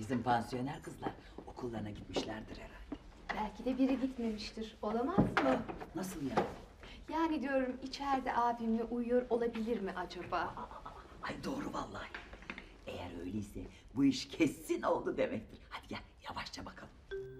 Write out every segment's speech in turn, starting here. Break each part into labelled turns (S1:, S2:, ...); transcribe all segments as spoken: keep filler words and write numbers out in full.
S1: Bizim pansiyoner kızlar okullarına gitmişlerdir herhalde.
S2: Belki de biri gitmemiştir. Olamaz mı?
S1: Nasıl yani?
S2: Yani diyorum içeride abimle uyuyor olabilir mi acaba?
S1: Ay doğru vallahi. Eğer öyleyse bu iş kesin oldu demektir. Hadi gel yavaşça bakalım.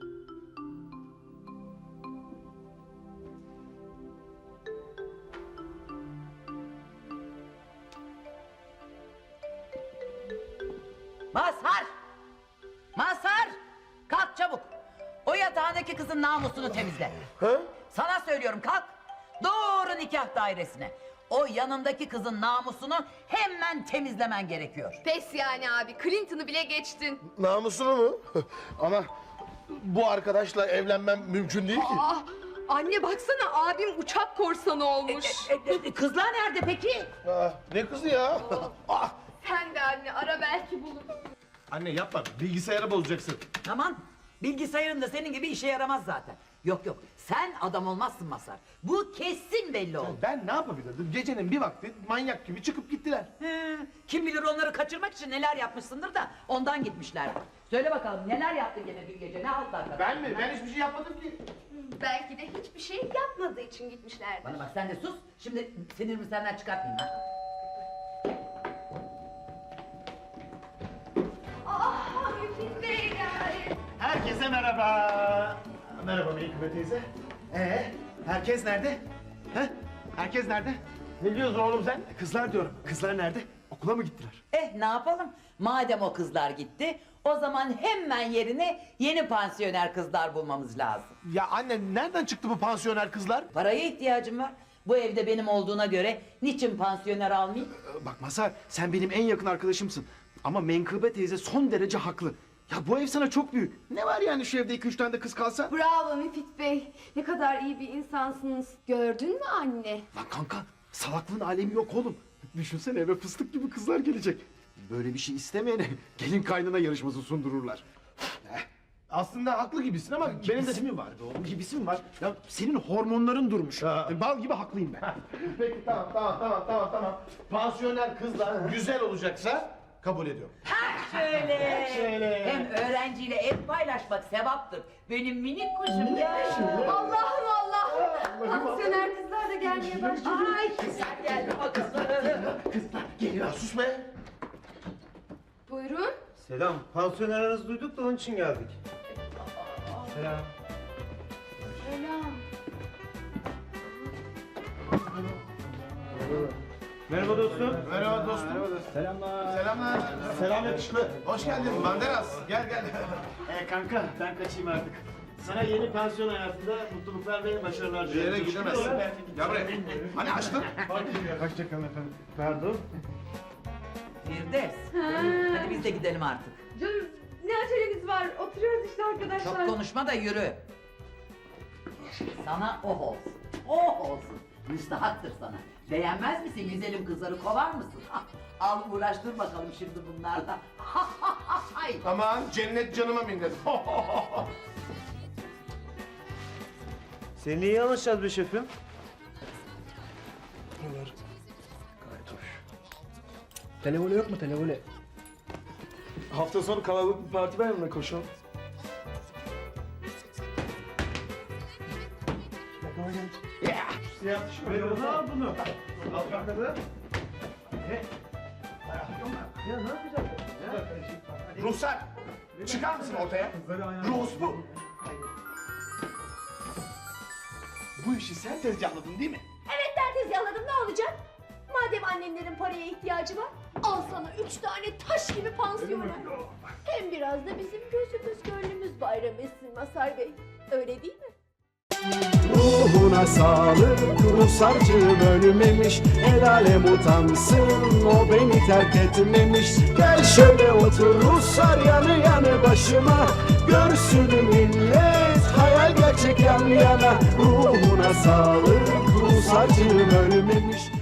S1: Mazhar! Mazhar! Kalk çabuk. O yatağındaki kızın namusunu temizle.
S3: Ha?
S1: Sana söylüyorum kalk. Doğru nikah dairesine. O yanındaki kızın namusunu hemen temizlemen gerekiyor.
S2: Pes yani abi. Clinton'ı bile geçtin.
S3: Namusunu mu? Ama bu arkadaşla evlenmem mümkün değil ki.
S2: Ah, anne baksana abim uçak korsanı olmuş.
S1: E, e, e, kızlar nerede peki?
S3: Ah, ne kızı ya? Ah!
S2: Sen de anne ara belki bulur.
S3: Anne yapma, bilgisayarı bozacaksın.
S1: Aman bilgisayarın da senin gibi işe yaramaz zaten. Yok yok sen adam olmazsın Mazhar. Bu kesin belli oldu.
S3: Ben ne yapabilirdim? Gecenin bir vakti manyak gibi çıkıp gittiler.
S1: He, kim bilir onları kaçırmak için neler yapmışsındır da ondan gitmişler. Söyle bakalım neler yaptın gene dün gece ne altlar?
S3: Ben mi? Ben hiçbir şey yapmadım ki.
S2: Belki de hiçbir şey yapmadığı için gitmişlerdi.
S1: Bana bak sen de sus. Şimdi sinirimi senden çıkartmayayım ha.
S2: Ah Müfit Bey yani.
S4: Herkese merhaba. Merhaba Melikübe teyze. Ee, herkes nerede? He? Herkes nerede?
S3: Ne diyorsun oğlum sen?
S4: Kızlar diyorum. Kızlar nerede? Okula mı gittiler?
S1: Eh ne yapalım? Madem o kızlar gitti, o zaman hemen yerine yeni pansiyoner kızlar bulmamız lazım.
S3: Ya anne nereden çıktı bu pansiyoner kızlar?
S1: Paraya ihtiyacım var. Bu evde benim olduğuna göre niçin pansiyoner almayayım?
S4: Ee, Bak Mazhar, sen benim en yakın arkadaşımsın. Ama Menkıbe teyze son derece haklı. Ya bu ev sana çok büyük. Ne var yani şu evde iki üç tane de kız kalsa?
S2: Bravo Müfit Bey. Ne kadar iyi bir insansınız. Gördün mü anne?
S4: Lan kanka, salaklığın alemi yok oğlum. Düşünsene eve fıstık gibi kızlar gelecek. Böyle bir şey istemeyene gelin kaynana yarışması sundururlar.
S3: Aslında haklı gibisin ama benim de...
S4: Gibisi mi var be oğlum? Gibisi mi var? Ya senin hormonların durmuş.
S3: Ha.
S4: E, Bal gibi haklıyım ben.
S3: Peki tamam tamam tamam tamam tamam. Pansiyoner kızlar güzel olacaksa kabul ediyorum.
S1: Şöyle.
S3: Şöyle.
S1: Hem öğrenciyle ev paylaşmak sevaptır. Benim minik kuşum ya.
S2: Allah'ım Allah'ım. Pansiyoner kızlar da gelmeye başladı.
S1: Ay kızlar geldi bakalım.
S3: Kızlar geliyor. Sus be.
S2: Buyurun.
S5: Selam. Pansiyoner aranızı duyduk da onun için geldik. Selam.
S2: Selam.
S5: Merhaba dostum.
S3: Merhaba dostum.
S4: Selamlar.
S3: Selamlar.
S4: Selam yakışıklı.
S3: Hoş geldin Banderas. Gel gel.
S5: Ee kanka ben kaçayım artık. Sana yeni pansiyon hayatında mutluluklar ve başarılar
S3: Bir
S5: diliyorum.
S3: yere gidemezsin.
S5: Çıkıyor.
S3: Gel buraya. Hani açtın?
S4: Hoşçakalın efendim.
S5: Pardon.
S1: Firdevs. Hadi biz de gidelim artık.
S2: Canım ne acelemiz var? Oturuyoruz işte arkadaşlar.
S1: Çok konuşma da yürü. Sana oh olsun. Oh olsun. Müstahaktır sana. Beğenmez misin güzelim kızları kovar mısın? Al uğraştır bakalım şimdi bunlarla. Ay.
S3: Aman cennet canıma minnet.
S5: Seninle iyi anlaşacağız be şefim.
S4: Televole yok mu televole? Hafta sonu kalabalık bir parti var mı koşalım?
S5: Siyah tişört. Al bunu. Al bakalım. Ya ne yapacağız?
S3: Ruhsar. Çıkar mısın ortaya? Ruhus bu. Bu işi sen tezgahladın değil mi?
S6: Evet ben tezgahladım ne olacak? Madem annenlerin paraya ihtiyacı var, al sana üç tane taş gibi pansiyoner. Hem biraz da bizim gözümüz gönlümüz bayram etsin Mazhar Bey. Öyle değil mi?
S7: Ruhuna sağlık, Rusarcığım ölmemiş. El alem utansın, o beni terk etmemiş. Gel şöyle otur Ruslar yanı yanı başıma. Görsün millet, hayal gerçek yan yana. Ruhuna sağlık, Rusarcığım ölmemiş.